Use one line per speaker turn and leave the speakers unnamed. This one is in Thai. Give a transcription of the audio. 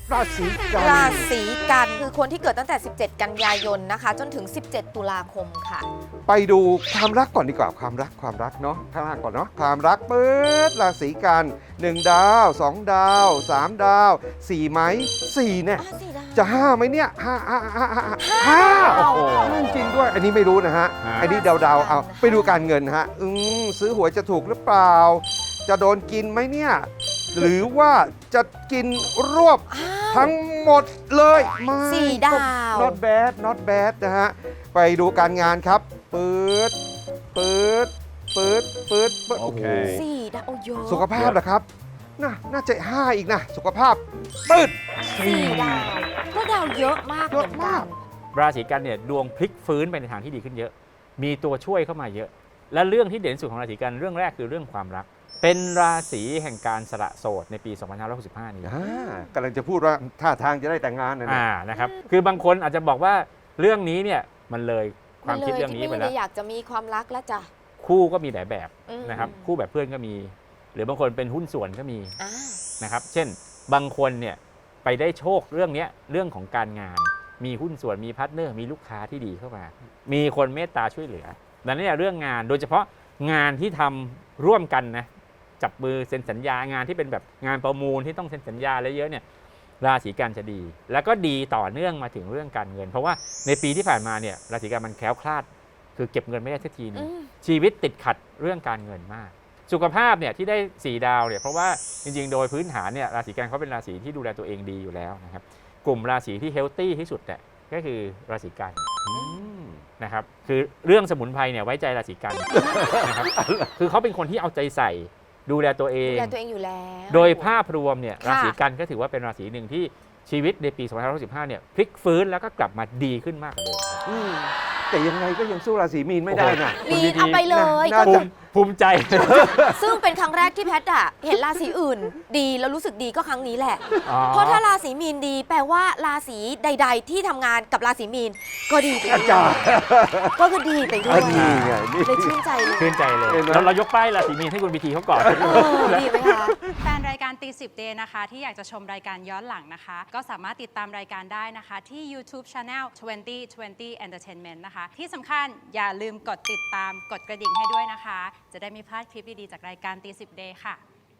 ราศีกัน
ราศีกันคือคนที่เกิดตั้งแต่ 17 กันยายนนะคะจนถึง 17 ตุลาคมค่ะ
ไปดูความรักก่อนดีกว่าความรักเนาะข้างล่างก่อนเนาะความรักเปิดราศีกัน1 ดาว 2 ดาว 3 ดาว4ไหม4เนี่ยจะ5ไหมเนี่ย5โอ้โหจริงด้วยอันนี้ไม่รู้นะฮะอันนี้เดาเอาไปดูการเงินฮะซื้อหวยจะถูกหรือเปล่าจะโดนกินไหมเนี่ยหรือว่าจะกินรวบทั้งหมดเลยไม่
4 ดาว
not bad นะฮะไปดูการงานครับปืดโอเค
4 ดาวโอ้เยอะ
สุขภาพเหรอครับน่าจะ5อีกนะสุขภาพปืด
4 ดาวก็ดาวเยอะมากเหมือนกัน
ราศีกันเนี่ยดวงพลิกฟื้นไปในทางที่ดีขึ้นเยอะ มีตัวช่วยเข้ามาเยอะ และเรื่องที่เด่นสุดของราศีกันเรื่องแรกคือเรื่องความรัก เป็นราศีแห่งการสละโสดในปี2565นี้
กำลังจะพูดว่าท่าทางจะได้แต่งงานนะเนี่ย
นะครับคือบางคนอาจจะบอกว่าเรื่องนี้เนี่ยมันเลยความคิดเรื่องนี้ไป
มันเลยที่
แล้ว
ไม่ได้อยากจะมีความรักแล้วจ้ะ
คู่ก็มีหลายแบบ
อืม
นะครับคู่แบบเพื่อนก็มี หรือบางคนเป็นหุ้นส่วนก็มี
อ่า
นะครับเช่นบางคนเนี่ยไปได้โชคเรื่องนี้เรื่องของการงาน มีหุ้นส่วนมีพาร์ทเนอร์มีลูกค้าที่ดีเข้ามา มีคนเมตตาช่วยเหลือดังนั้นเนี่ยเรื่องงานโดยเฉพาะงานที่ทำร่วมกันนะจับมือเซ็นสัญญางานที่เป็นแบบงานประมูลที่ต้องเซ็นสัญญาอะไรเยอะเนี่ยราศีกันจะดี แล้วก็ดีต่อเนื่องมาถึงเรื่องการเงิน เพราะว่าในปีที่ผ่านมาเนี่ยราศีกันมันแคล้วคลาดคือเก็บเงินไม่ได้สักทีนึงชีวิตติดขัดเรื่องการเงินมาก สุขภาพเนี่ยที่ได้4 ดาวเนี่ยเพราะว่าจริงๆโดยพื้นฐานเนี่ยราศีกันเขาเป็นราศีที่ดูแลตัวเองดีอยู่แล้วนะครับกลุ่มราศีที่เฮลตี้ที่สุดเนี่ยก็คือราศีกันนะครับคือเรื่องสมุนไพรเนี่ยไว้ใจราศีกันนะครับคือเขาเป็นคนที่เอาใจใส่ดูแลตัวเอง
ดูแลตัวเองอยู่แล้ว
โดยภาพรวมเนี่ย
ค่ะ
ราศีกันก็ถือว่าเป็นราศีหนึ่งที่ชีวิตในปี2565เนี่ยพลิกฟื้นแล้วก็กลับมาดีขึ้นมากกว่าเดิม
แต่ยังไงก็ยังสู้ราศีมีนไม่ได้นะ
มีนเอาไปเลย
น่าจะ
ภูมิใจ
ซึ่งเป็นครั้งแรกที่แพทย์อะเห็นราศีอื่น ดีแล้วรู้สึกดีก็ครั้งนี้แหละ
อ๋อ
เพราะถ้าราศีมีนดี แปลว่าราศีใด ๆ ที่ทำงานกับราศีมีนก็ดีไปด้วย
อาจารย์
ก็คือดีไปด้ว
อั
ย
นนี้ไงนี่
เลยชื่นใจเลย
ชื่นใจเลย
เห็นไหม
เรายกป้ายราศีมีนให้คุณพิธีเขาก่อน
ดีไหมคะ
แฟนรายการตี10 Day นะคะที่อยากจะชมรายการย้อนหลังนะคะ ก็สามารถติดตามรายการได้นะคะ ที่ YouTube Channel 2020 Entertainment นะคะ ที่สำคัญอย่าลืมกดติดตามกดกระดิ่งให้ด้วยนะคะ จะได้ไม่พลาดคลิปดี ๆ จากรายการตี10 Day ค่ะ